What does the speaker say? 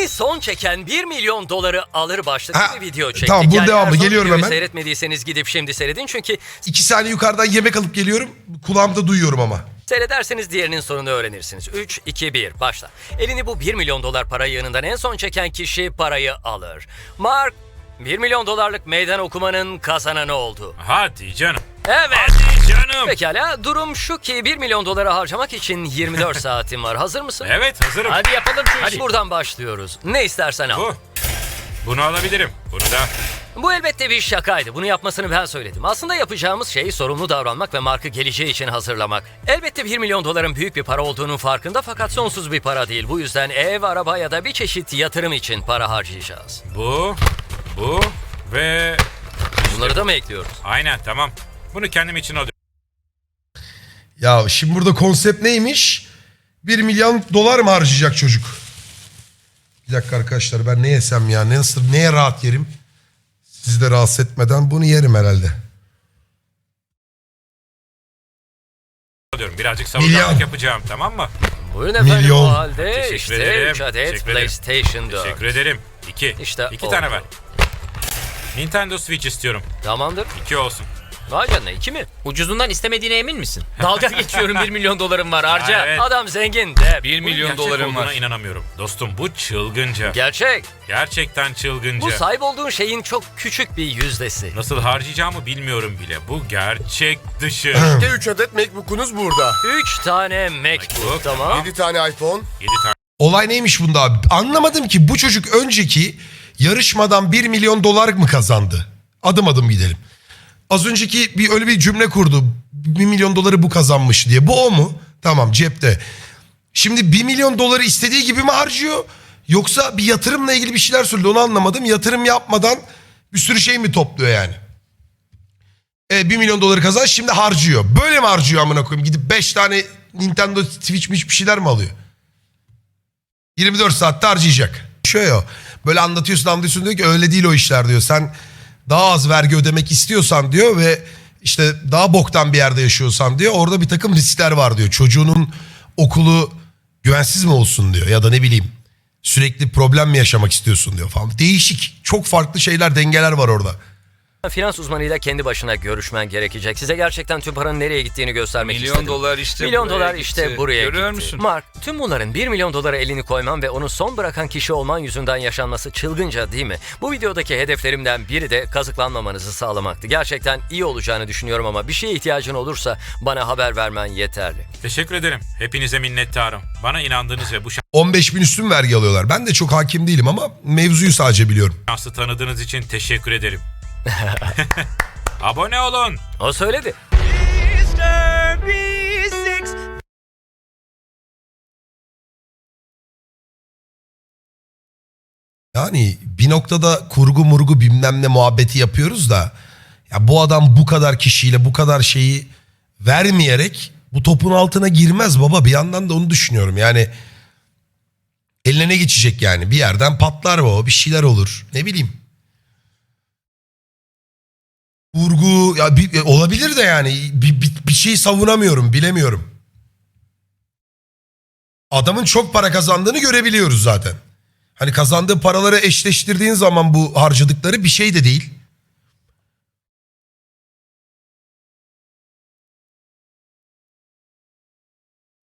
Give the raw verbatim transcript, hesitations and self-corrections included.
Elini son çeken bir milyon doları alır başlıklı Ha, bir video çektik. tamam, bu Yani devamlı. eğer son Geliyorum videoyu hemen. Seyretmediyseniz gidip şimdi seyredin çünkü İki saniye yukarıdan yemek alıp geliyorum. Kulağımda duyuyorum ama. seyrederseniz diğerinin sonunu öğrenirsiniz. üç, iki, bir başla. Elini bu bir milyon dolar para yığınından en son çeken kişi parayı alır. Mark bir milyon dolarlık meydan okumanın kazananı oldu. Hadi canım. Evet. Hadi canım. Pekala, durum şu ki bir milyon doları harcamak için yirmi dört saatin var. Hazır mısın? Evet, hazırım. Hadi yapalım şu işi. Hadi. Buradan başlıyoruz. Ne istersen al. Bu. Bunu alabilirim. Bunu da. Bu elbette bir şakaydı. Bunu yapmasını ben söyledim. Aslında yapacağımız şey sorumlu davranmak ve Mark'ı geleceği için hazırlamak. Elbette bir milyon doların büyük bir para olduğunun farkında fakat sonsuz bir para değil. Bu yüzden ev, araba ya da bir çeşit yatırım için para harcayacağız. Bu. Bu. Ve... Bunları da mı ekliyoruz? Aynen, tamam. Bunu kendim için alıyorum. Ya şimdi burada konsept neymiş? Bir milyon dolar mı harcayacak çocuk? Bir dakika arkadaşlar, ben ne yesem ya? Ne, nasıl, neye rahat yerim? Sizi de rahatsız etmeden bunu yerim herhalde. Alıyorum. Birazcık Milyon. savunmalık yapacağım, tamam mı? Buyurun efendim, Milyon. o halde Teşekkür işte ederim. üç adet Teşekkür ederim. PlayStation dört. Teşekkür ederim. İki. İşte İki oldu. tane ver. Nintendo Switch istiyorum. Tamamdır. İki olsun. Vay canına, iki mi? Ucuzundan istemediğine emin misin? Dalga geçiyorum, bir milyon dolarım var harca. Evet. Adam zengin de. bir Bunun milyon gerçek dolarım olduğuna var. inanamıyorum. Dostum, bu çılgınca. Gerçek. Gerçekten çılgınca. Bu sahip olduğun şeyin çok küçük bir yüzdesi. Nasıl harcayacağımı bilmiyorum bile. Bu gerçek dışı. İşte üç adet MacBook'unuz burada. Üç tane MacBook, tamam. yedi tane iPhone. Yedi tane Olay neymiş bunda abi? Anlamadım ki, bu çocuk önceki yarışmadan bir milyon dolar mı kazandı? Adım adım gidelim. Az önceki bir öyle bir cümle kurdu. Bir milyon doları bu kazanmış diye. Bu o mu? Tamam, cepte. Şimdi bir milyon doları istediği gibi mi harcıyor? Yoksa bir yatırımla ilgili bir şeyler söyledi, onu anlamadım. Yatırım yapmadan bir sürü şey mi topluyor yani? E, bir milyon doları kazan, şimdi harcıyor. Böyle mi harcıyor amına koyayım? Gidip beş tane Nintendo Switch bir şeyler mi alıyor? yirmi dört saatte harcayacak. Şöyle o. Böyle anlatıyorsun anlatıyorsun diyor ki öyle değil o işler diyor. Sen daha az vergi ödemek istiyorsan diyor ve işte daha boktan bir yerde yaşıyorsan diyor, orada bir takım riskler var diyor. Çocuğunun okulu güvensiz mi olsun diyor ya da ne bileyim sürekli problem mi yaşamak istiyorsun diyor falan. Değişik, çok farklı şeyler, dengeler var orada. Finans uzmanıyla kendi başına görüşmen gerekecek. Size gerçekten tüm paranın nereye gittiğini göstermek Milyon istedim. dolar işte Milyon buraya dolar gitti. işte buraya Görüyor gitti. musun? Mark, tüm bunların bir milyon dolara elini koyman ve onu son bırakan kişi olman yüzünden yaşanması çılgınca değil mi? Bu videodaki hedeflerimden biri de kazıklanmamanızı sağlamaktı. Gerçekten iyi olacağını düşünüyorum ama bir şeye ihtiyacın olursa bana haber vermen yeterli. Teşekkür ederim. Hepinize minnettarım. Bana inandığınız ve bu on beş bin üstün vergi alıyorlar. Ben de çok hakim değilim ama mevzuyu sadece biliyorum. şansı tanıdığınız için teşekkür ederim. Abone olun. O söyledi. Yani bir noktada kurgu murgu bilmem ne muhabbeti yapıyoruz da ya bu adam bu kadar kişiyle bu kadar şeyi vermeyerek bu topun altına girmez baba. Bir yandan da onu düşünüyorum yani, eline ne geçecek yani, bir yerden patlar o, bir şeyler olur, ne bileyim. Kurgu ya bir, olabilir de yani bir, bir, bir şey savunamıyorum, bilemiyorum. Adamın çok para kazandığını görebiliyoruz zaten. Hani kazandığı paraları eşleştirdiğin zaman bu harcadıkları bir şey de değil.